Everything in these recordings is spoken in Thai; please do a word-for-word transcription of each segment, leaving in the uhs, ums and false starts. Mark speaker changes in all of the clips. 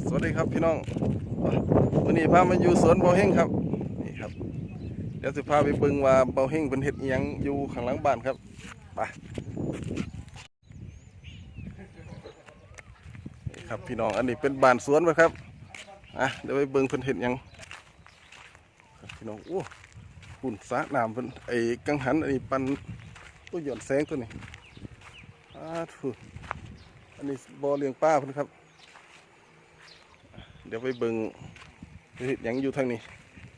Speaker 1: สวัสดีครับพี่น้องวันนี้พามาอยู่สวนเบาเฮงครับนี่ครับเดี๋ยวจะพาไปเบิ่งว่าเบาเฮงเป็นเห็ดอิหยังอยู่ข้างหลังบ้านครับไปนี่ครับพี่น้องอันนี้เป็นบ้านสวนไปครับอ่ะเดี๋ยวไปเบิ่งเพิ่นเห็ดหยังครับพี่น้องโอ้หุ่นสระน้ำเพิ่นไอ้กังหันอันนี้ปันตัวหย่อนแสงตัวนี้อ่าถูอันนี้บ่อเลี้ยงปลาเพิ่นครับเดี๋ยวไปเบิ่งเห็ดหยังอยู่ทางนี้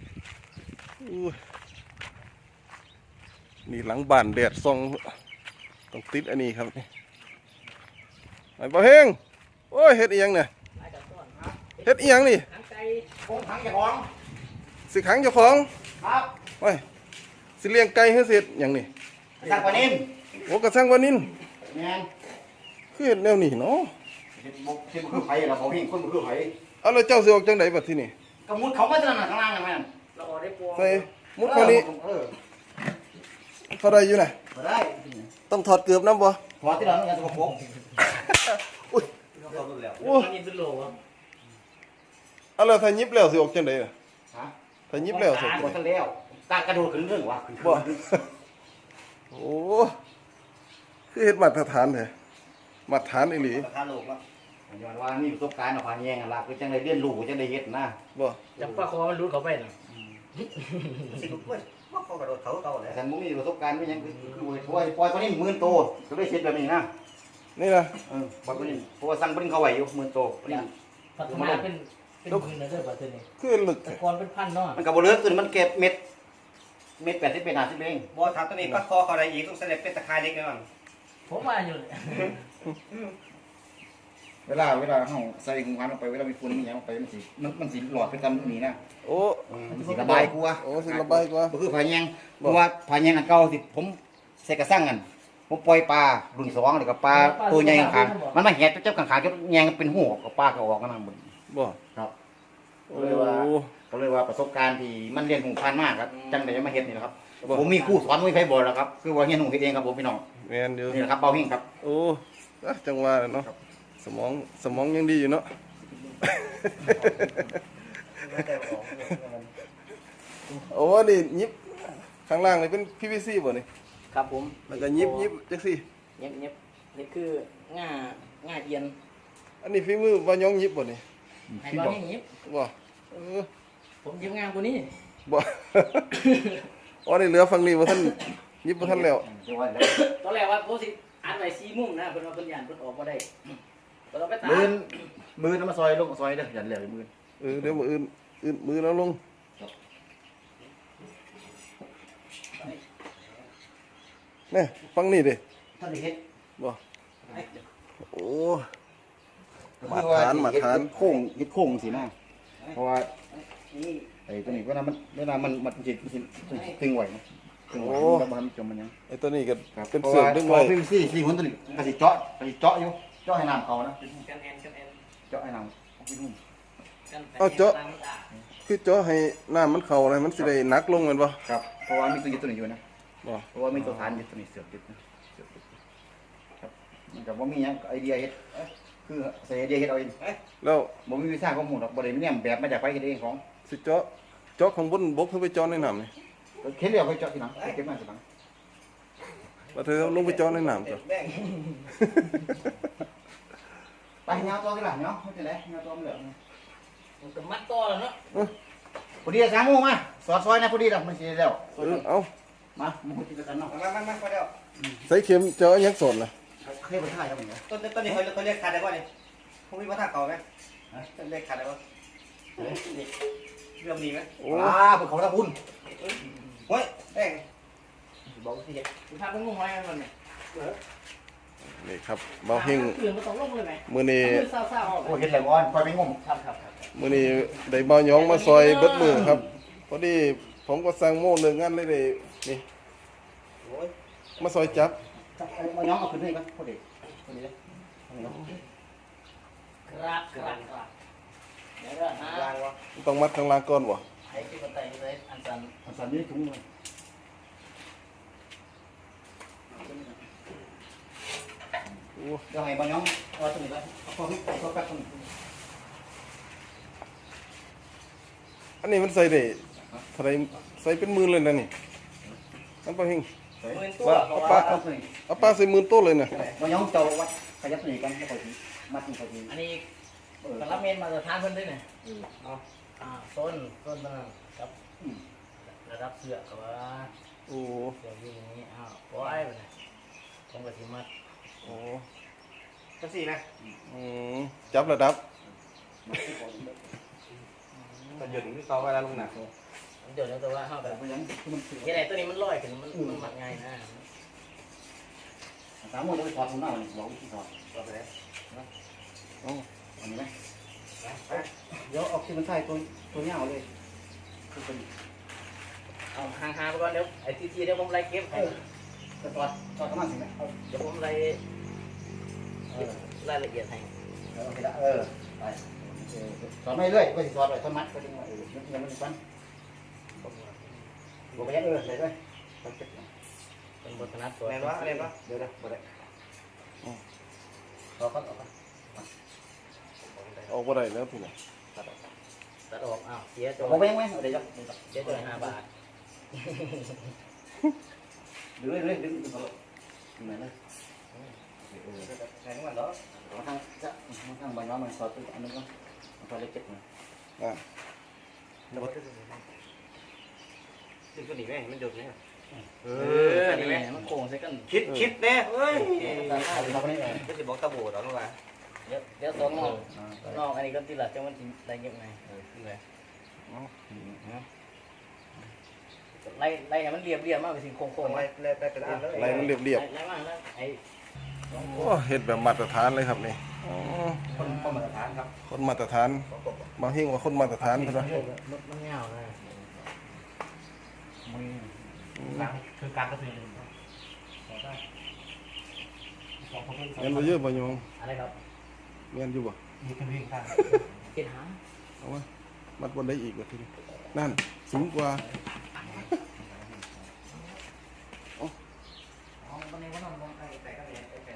Speaker 1: นี่หลังบ้านแดดส่องต้องติดอันนี้ครับไอ้บ่าวเฮงโอ้ยเห็ดอีหยังเนี่ยเห็ดอีหยังนี่
Speaker 2: คงขังเจ้าของ
Speaker 1: สิขังเจ้าของ
Speaker 2: ครับ
Speaker 1: โอ้ยสิเลี้ยงไก่ให้เสร็จอย่างนี้
Speaker 2: สั่งปลานิ่ม
Speaker 1: โอ้กระสังวันนิน
Speaker 2: แม่น
Speaker 1: คือเห็ดแนวนี้เนาะ
Speaker 2: เห็ดบุกเห็ดบุกคือไผ่เราบอกพี่คนบุกคือไผ่
Speaker 1: เอาแล้วเจ้าสิออกจังไดบัดทีนี้
Speaker 2: กระมุดเขาไม่ถนัดข้างล่างนะแม่นเราออกได้ปวง
Speaker 1: ใส่มุดคนนี้เขาได้อยู่น่ะ
Speaker 2: ได้
Speaker 1: ต้องถอดเกือบน้ำบ่
Speaker 2: ถอดที่หลังอย่าสกปรก
Speaker 1: อุ้ยโอ้
Speaker 2: ยิบสุดโลวะ
Speaker 1: เอาแล้วถ้ายิบแล้วสิออกจังไดล่ะ
Speaker 2: ฮะ
Speaker 1: ถ้ายิบแล้วสิ
Speaker 2: ออกจังแล้วตากระโดดขึ้นเรื่องวะ
Speaker 1: บ่โอ้คือเฮ็ดมาตรฐานแท้มาตรฐานอีหลี
Speaker 2: มาตรฐานโลกแล้วย้อนว่านี่ประสบการณ์เอาผ่านแย่งล่ะคือจังได้เรียนรู้จังได้เฮ็ดนะ
Speaker 1: บ่
Speaker 3: จับปลาคอมันรู้เขาไปน่ะ
Speaker 2: สิลูกเว้ยบ่เขากระโดดเขาเก่าแล้วฉันบ่มีประสบการณ์มีหยังคือคือปล่อยปล่อยปลานิ่มหมื่นโตก็เลยเฮ็ดแบบนี้นะ
Speaker 1: นี่นะ
Speaker 2: เออปลานิ่มเพราะว่าสั่งปลานิ่มเขาไว้อยู่หมื่นโตปลานิ่ม
Speaker 3: พัฒนาเป็นเป็นหมื่นนะเด้อบัดนี้
Speaker 1: คือลึก
Speaker 3: แต่ก่อนเป็นพันเนาะ
Speaker 2: มันก็บ่เลิกขึ้นมันเก็บเม็ดเม็ดแปดสิบเป็นห้าสิบเอง
Speaker 4: บ่ถ้าตัวนี้ปลาคอเขาได้อีกต้องเสด็จเป็นตะไคร้เล็กแน่นอน
Speaker 3: ผมว่าอยู่
Speaker 2: เวลาเวลาเฮาใส่ถุงพันลงไปเวลามีฝุ่นมีหยังลงไปมันสิมันมันสิหลอดไปตามนี้นะ
Speaker 1: โอ้
Speaker 2: มันสิระบายกว่า
Speaker 1: โอ้สิระบายกว่า
Speaker 2: บ่คือผาแยงเพราะว่าผาแยงอันเก่าที่ผมใส่กระสังกันผมปล่อยปลารุ่นสองแล้วก็ปลาตัวใหญ่ข้างๆมันมาแหดเจ้าข้างๆจนแยงเป็นหูกับปลาก็ออกกันทั้งหมด
Speaker 1: บ่
Speaker 2: ครับก็เลยว่าก็เลยว่าประสบการณ์ที่มันเรียนหูพันมากครับจังได้มาเฮ็ดนี่แหละครับผมมีครูสอนมีไผบอกแล้วครับคือว่าเฮียนหูเฮ็ดเองครับผมพี่น้อง
Speaker 1: แม่นอยู่
Speaker 2: นี่แหละครับเบาหิ้งครับ
Speaker 1: โอ้จังว่าเนาะสมองสมองยังดีอยู่เนาะโอ้นี่ยิบข้างล่างนี่เป็น พี วี ซี บ่นี่
Speaker 3: ครับผม
Speaker 1: แล้วก็ยิบยิบจังซี่
Speaker 3: เย็บเย็บนี่คือง่าง่าเย็น
Speaker 1: อันนี้ฝีมือว่ายองยิบบ่นี่
Speaker 3: ให้บ่ให้ยิบ
Speaker 1: บ่เออ
Speaker 3: ผมยิบงามกว่านี้
Speaker 1: บ่อ๋อนี่เหลือฝั่งนี้บ่ทันยิบบ่ทันแล้ว
Speaker 3: ตอนแรกว่าโพสิอันไว้สี่มุมนะเพิ่นว่าเพิ่นย่านเพิ่นออกบ่ได้เพิ่นเอาไปตาก
Speaker 2: มือมือน้ำมาซอยลงซอยเด้อยันแล้วมือ
Speaker 1: เออเดี๋ยวมื้ออื่นอื่นมือแล้วลงนี่ฟังนี่ดิ
Speaker 2: ท่านได้เฮ็ด
Speaker 1: บ่โอ้มาทานมาทาน
Speaker 2: โค้งเฮ็ดโค้งสินะเพราะว่าไอ้ตัวนี้เวลามันเวลามันมันสิตึงไหวนะตึงไหวมันบ่ทันจมมันยัง
Speaker 1: ไอ้ตัวนี้ก็เป็นเสือกดึงไว้
Speaker 2: พอสี่สี่หุ่นตัวนี้ก็สิเจาะก็สิเจาะอยู่เจาะให้น้ำเขานะ
Speaker 3: กันแอนกันแอน
Speaker 2: เจาะให้น้ำ
Speaker 1: เอาเจาะคือเจาะให้น้ำมันเข้าอะไรมันสิได้หนักลงแม่นบ่
Speaker 2: ครับเพราะว่ามีตัวยึดตัวนี้อยู่นะ
Speaker 1: บ่
Speaker 2: เพราะว่ามีตัวฐานยึดตัวนี้เสือกยึดนะเสือกยึดครับมันก็บ่มีหยังไอเดียเฮ็ดคือใส่ไอเดียเฮ็ดเอาเอง
Speaker 1: แล้ว
Speaker 2: บ่มีวิชาข้อมูลหรอกบ่ได้มีแนวแบบมาจากไผเฮ็ดเองของ
Speaker 1: สิเจาะเจาะข้างบนบกเพื่อไปเจาะในน้ำนี่
Speaker 2: เข็นเดียวไปเจาะทีหลังเก็บมาทีหลัง
Speaker 1: ว่าเธอลงไปเจาะในน้ำจ้ะ
Speaker 2: ไปเงาตัวกันล่ะเนาะเฮ็ดจังได๋เงาตัวมันเหลือง
Speaker 3: มันก็มัดต่อแล้วเนาะ
Speaker 2: พอดีสามโมงมาสอดซอยนะพอดีแล้วมันสิแล้ว
Speaker 1: เออเอา
Speaker 2: มามึงคุยกันเนาะ
Speaker 4: มามามาพอแล้ว
Speaker 1: ใส่เข็มเจาะยังสดล่ะ
Speaker 2: เคยบ่ถ่ายครับมึง
Speaker 4: ต้นต้นนี้เขาเขาเรียกขาดได้บ่นี่พวกมีบ่ท่าเก่ามั้ยฮะต้นเรียกขาดได้บ่นี่เรื่องนี้มั้ย
Speaker 2: อ่าเพิ่นเขาตะพุ่น
Speaker 4: โอ้ยแป้ง
Speaker 3: บอกสิเฮ็ดถ้าเพิ่นงงไว้มันนี่
Speaker 1: นี่ครับเบาเฮง
Speaker 3: ตื่นบ่ต้องลงเลยไหม
Speaker 1: มื้อนี้
Speaker 2: โอ้เฮ็ดแล้วก่อนค่อยไปงม
Speaker 3: ครับครับ
Speaker 1: มื้อนี้ได้เบายองมาซอยเบิดมือครับพอดีผมก็สั่งโม่เลิกงานเลยได้นี่
Speaker 2: โอ้ย
Speaker 1: มาซอยจับ
Speaker 2: มาย้องเอาขึ้นให้ก่อนพอดีพอดีเลย
Speaker 3: ครับครับครับเดี๋ยวเด้อนะ
Speaker 4: ล้างวะ
Speaker 1: ต้องมัดข้างล่างก่อนบ่
Speaker 3: ไอ้ที่บ่ไต่เลยอันสั่น
Speaker 2: อันสั่นนี่ถุงเลย
Speaker 1: โอ้
Speaker 2: เดี๋ยวให้บ่ย้องเอาตรงนี้ก่อนเอาพอพี่เอาแป๊บตรงนี้
Speaker 1: อันนี้มันใส่ได้เท่าไหรใส่เป็นหมื่นเลยนะนี่นั่นปะเฮง
Speaker 3: หมื่นตัว
Speaker 1: ว่า
Speaker 3: เพราะ
Speaker 1: ปลา
Speaker 3: ว่า
Speaker 1: เอาปลาใส่หมื่นโต้เลยนะ
Speaker 2: บ่ยองเจ้าวัดขยับตัวนี้กันแล้วก็สิมัดนี่ก็สิ
Speaker 3: อันนี้กระเมนมาตรฐานเพิ่นด้วยเนี่ยเอาอ่าโซนโซนมันกับระดับเสือกับว่า
Speaker 1: โอ้
Speaker 3: เสืออยู่อย่างนี้อ้าวปล่อยไปเลยผมก็สิมัด
Speaker 1: โอ้
Speaker 4: จังสี่นะ
Speaker 1: อืมจับระดับ
Speaker 4: ตอนหยุดที่เขาเวลาลงหนัก
Speaker 3: เดี๋ยวแต่ว่าเฮาแบบ
Speaker 2: บ่ยังคือมัน
Speaker 3: ยังไงตัวนี้มันลอยขึ้นมันมันมัดง่ายนะ
Speaker 2: สามโมงจะไปถอดถุงหน้ามันบอกวิธีถอด
Speaker 4: ต่อไปเลย
Speaker 1: โอ้
Speaker 2: อันนี้ไหมเดี๋ยวเอาที่มันใส่ตัวตัวเงาเลยคือเป็น
Speaker 3: เอาห่างๆไปก่อนเดี๋ยวไอ้ทีทีเดี๋ยวผมไล่เก็บให้
Speaker 2: จะถอดถอดประมาณสิไหมเอา
Speaker 3: เดี๋ยวผมไล่เก็บรายละเอียดให้
Speaker 2: เอาไปละเออไปเออถอดไม่เรื่อยก็สิถอดไปถอดมัดก็ดึงว่าเออมันยังมันฟันบอกไปยังเออเลยด้วย
Speaker 3: เป็นบทนัดตัว
Speaker 4: เรียนวะเรียนวะ
Speaker 2: เดี๋ยวเดี๋ยวบ่ได้รอก่อนรอก่อน
Speaker 1: ออกบ่ได้แล้วพี่น้อง
Speaker 3: ตัดออกอ้าวเสียตัว
Speaker 2: บอกไปยังไงเดี๋ยวจะ
Speaker 3: เสียตัวห้าบาท
Speaker 2: ดึงเลยดึงดึงดึงเขาดึงไหนเลย
Speaker 4: ไหนทั้งวันเหรอ
Speaker 2: มาทางจะมาทางบางน้องมันถอดตัวอันนึงก็ถอดเล็กเจ็บนะ
Speaker 1: อ่ะ
Speaker 4: แล้วก็ซึ่งตัวนี้แม่งมันหยุดเนี่ยเอ
Speaker 3: เอ
Speaker 4: อ
Speaker 3: อ
Speaker 4: อัน
Speaker 3: นี่
Speaker 4: นี้แม่
Speaker 3: มันโค้งใส่กัน
Speaker 4: คิดคิดแน่เฮ้ย
Speaker 2: เราไปนี่เออ
Speaker 4: ก็จะบอกตะโบดเอาลงมา
Speaker 3: เดี๋ยวเดี๋ยวตัวนอกตัวนอกอันนี้ก็ตีหลักจังมันได้เก็บไง
Speaker 4: เออขึ้นเลย
Speaker 3: ไล่ไล่ให้มันเรียบเรียบมากไปสิโค้ง
Speaker 4: โค้
Speaker 3: โค้
Speaker 4: ง
Speaker 3: ง
Speaker 4: ไล่ไล่ไปเป็นอันเลย
Speaker 1: ไล่มันเรียบ
Speaker 3: ไล่มากแล้วไอ้
Speaker 1: ๆโอ้เฮ็ดแบบมาตรฐานเลยครับนี่อ๋อ
Speaker 2: คนคนมาตรฐานครับ
Speaker 1: คนมาตรฐานบางเฮงว่าคนมาตรฐานเพิ่นว่า
Speaker 3: มันมันเงานะ
Speaker 4: คือการกระตือ
Speaker 1: เงินบ่เยอะบ่โยม
Speaker 3: อะไรครับ
Speaker 1: เงินอยู่บ่
Speaker 4: มีขึ้นวิ่งข้าง
Speaker 3: เก็บหาง
Speaker 1: เอาวะมัดบนได้อีกว่าทีนี้นั่นสูงกว่า
Speaker 3: เอาบันไดก็นอนลงไปแต่ก็เลย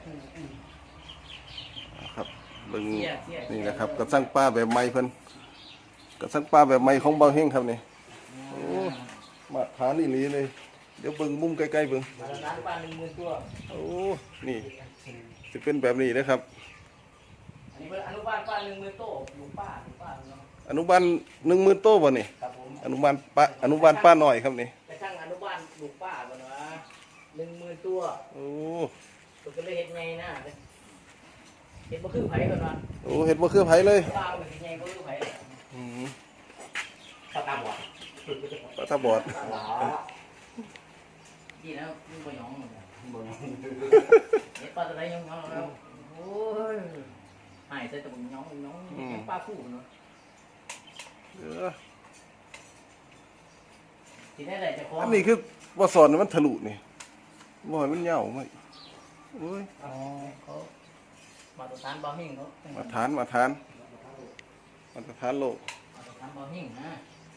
Speaker 1: ครับเบิ่ง
Speaker 3: เสียเสีย
Speaker 1: นี่นะครับกระสังปลาแบบใหม่เพิ่นกระสังปลาแบบใหม่ของเบาเฮงครับนี่โอ้มาตรฐานอีหลีเลยเดี๋ยวเบิ่งมุมใกล้ๆเบิ่ง
Speaker 3: มาแล้วร้านปลาหนึ่งหมื่นตัว
Speaker 1: โอ้นี่สิเป็นแบบนี้นะครับ
Speaker 3: อันนี้เป็นอนุบาลปลาหนึ่งหมื่นตัวลูกป้าลูกป้าเนาะ
Speaker 1: อนุบาลหนึ่งหมื่นโต้บ่นี่
Speaker 3: ครับผม
Speaker 1: อนุบาลปลาอนุบาลป้าหน่อยครับนี่
Speaker 3: กระทั่งอนุบาลลูกป้าบ่เนาะหนึ่งหมื่นตัว
Speaker 1: โอ้
Speaker 3: ตัวก็เลยเฮ็ดไงนะเฮ็ดบ่คือไผก่อนว่า
Speaker 1: โอ้เห็ดบ่คือไผเลย
Speaker 3: ปลามันสิไงบ่คือไผ
Speaker 1: อืม
Speaker 3: ปลาตาบอด
Speaker 1: ปลาตาบอด
Speaker 3: ดีนะมึงบ่หยองมึงเฮ็ดปลาตะไดหยองๆแล้วโอ้ยหายใส่ตะบุญหยองหยองปลาคู่เนาะ
Speaker 1: เออ
Speaker 3: สิได้ได้จะขอ
Speaker 1: อันนี้คือบ่สอนให้มันทะลุนี่บ่ให้มันเหย้ามาโอ้ย
Speaker 3: อ๋อเขามาตรฐานบ่หิ่งเขา
Speaker 1: มาทานมาทานมาตรฐานโลก
Speaker 3: มาตรฐานบ่หิ่งนะ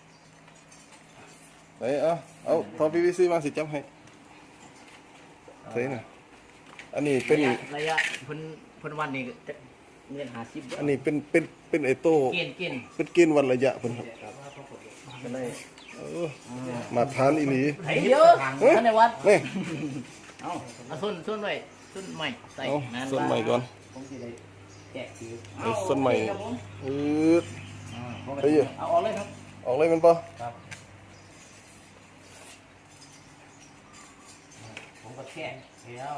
Speaker 1: ไหนเอาเอาทอ พี วี ซี มาสิจับให้เท่น่ะอันนี้เป็น
Speaker 3: ระยะระยะเพิ่นเพิ่นวันนี้จะเงินห้าสิบ
Speaker 1: อันนี้เป็นเป็นเป็นไอโต้
Speaker 3: เกณฑ์เกณฑ์
Speaker 1: เป็นเกณฑ์วันระยะเพิ่นครับ
Speaker 3: กันเลย
Speaker 1: เออมาทานอีหลี
Speaker 3: ไอ้เยอะท่านในวัด
Speaker 1: นี่
Speaker 3: เอาเอาส้นส้นไว้ส้นใหม่ใส่
Speaker 1: เอา
Speaker 3: นั่น
Speaker 1: ส้นใหม่ก่อน
Speaker 2: ผมสิได้แกะคือ
Speaker 1: เอาส้นใหม่
Speaker 3: โอเคครับผม
Speaker 1: อืดเฮ้ย
Speaker 3: เอาออกเลยครับ
Speaker 1: ออกเลยมันป่ะ
Speaker 3: ผมก็แค่แล้ว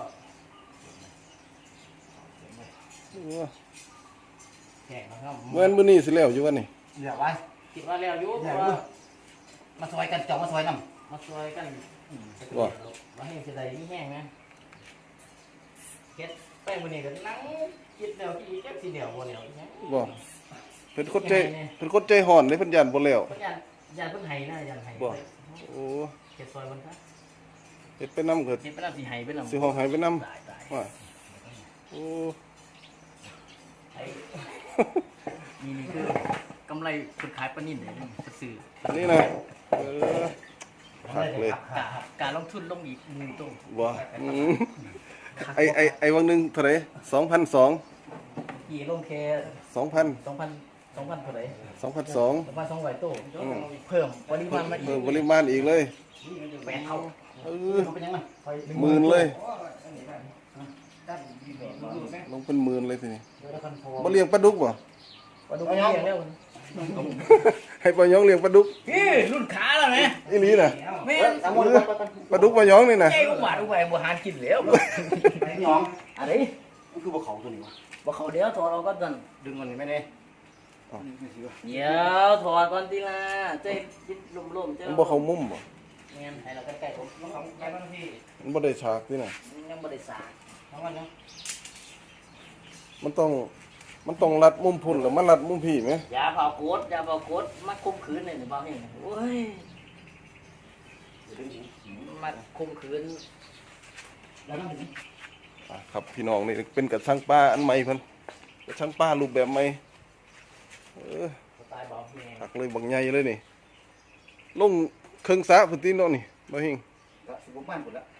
Speaker 3: แข่งนะครับ
Speaker 1: เมื่อมื้อนี้สิแล้วอยู่วันนี้
Speaker 2: เดี๋ยวไว้
Speaker 3: คิดว่าแล้วอยู่เพราะว่ามาซอยกันจองมาซอยน้ำมาซอยกันมาให้เสียดายนี่แห้งนะเฮ็ดแป้งวันนี้ก็นั่งคิดแล้วที่แค่สีเดียวบ่แล้วอีกนะ
Speaker 1: บ่เพิ่นคนใจเพิ่นคนใจห่อนเลยเพิ่นย่านบ่แล้ว
Speaker 3: เพิ่นยันยันเพิ่นไห้นะยันไห้
Speaker 1: บ่โอ้
Speaker 3: เฮ็ดซอยเพิ่นครับ
Speaker 1: เฮ็ดไปนำเกิด
Speaker 3: เฮ็ดไปแล้วสิไห้ไปแล้ว
Speaker 1: สิห้องหายไปนำ
Speaker 3: ตายตาย
Speaker 1: ว่าโอ้
Speaker 3: ไอ้นี่นี่คือกำไรคนขายปลานิ่นเลยซื้อ
Speaker 1: อันนี้นะเออหักเลย
Speaker 3: กะการลงทุนลงอีกหมื่นตัว
Speaker 1: บ่อืมไอไอไอวังหนึงเท่าไหร่สองพันสอง
Speaker 3: กี่ลงแค่
Speaker 1: สองพัน
Speaker 3: สองพันสสองพันเท่าไหร่
Speaker 1: สองพันสอง
Speaker 3: ประมาณสองร้อยตู้เพิ่มปริมาณมาอี
Speaker 1: เพิ่ม
Speaker 3: ก
Speaker 1: ปริมาณอีกเลย
Speaker 3: แปดเท่า
Speaker 1: เออ
Speaker 2: เป็นยังไง
Speaker 1: หมื่นเลยลงเป็นหมื่นเลยทีนี้บ่เลี้ยงปลาดุกบ่
Speaker 3: ปลาดุกเลี้ยงแล้ว
Speaker 1: ให้ปลายองเลี้ยงปลาดุก
Speaker 3: พี่รุ่นขาแล้วไหม
Speaker 1: อีหลีน่ะ
Speaker 3: แม่
Speaker 2: สามม
Speaker 1: ปลาดุกปลายองนี่น่ะ
Speaker 3: ใหญ่กว่าดูไปบ่หานกินแล้ว
Speaker 2: หยอง
Speaker 3: อะไร
Speaker 2: มันคือบ่เขาตัวนี้วะ
Speaker 3: บ่เขาเดี๋ยวถอดเอาก็ดัน
Speaker 2: ดึงมันไม่ได้
Speaker 3: เดี๋ยวถอดก่อนทีละเจ๊ยินลมๆเจ้า
Speaker 1: มันบ่เข้ามุมบ่
Speaker 3: เงี้ยให้เราใกล้ๆผมต้องของใกล้บ้างพี่
Speaker 1: มันบ่ได้ฉากนี่น่ะ
Speaker 3: ยังบ่ได้สาเพราะว่าเนาะ
Speaker 1: มันต้องมันต้องรัดมุมพุ่นหรือมันรัดมุมพี่ไหม
Speaker 3: อย่าเผาโคตรอย่าเผาโคตรมาคุมขืนเลยหรือเปล่าเห็นโอ้ยมาคุมขืน
Speaker 2: แล้วนั่งถึง
Speaker 1: อ่ะครับพี่น้องนี่เป็นกระชังปลาอันใหม่เพิ่นกระชังปลารูปแบบใหม่เออ
Speaker 3: สไตล์บอกแม่
Speaker 1: หักเลยบักใหญ่เลยนี่ลงเครื่องสระพุ่นติเนาะนี่บ่หิง
Speaker 2: ก็สิบบ้านหมดแล้ว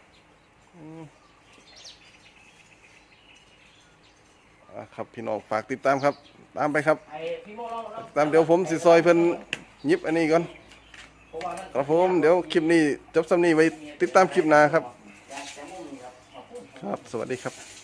Speaker 1: อ่ะครับพี่น้องฝากติดตามครับ ตามไปครับ
Speaker 3: ไอ้พี่โมลองลอง
Speaker 1: ตามเดี๋ยวผมสิซอยเพิ่นหยิบอันนี้ก่อน
Speaker 3: เพราะว่ามัน
Speaker 1: ครับผมเดี๋ยวคลิปนี้จบสำนี้ไว้ติดตามคลิปหน้าครับ
Speaker 3: อยากจะมุ่งนี่ครับขอบคุณ
Speaker 1: ครับ สวัสดีครับ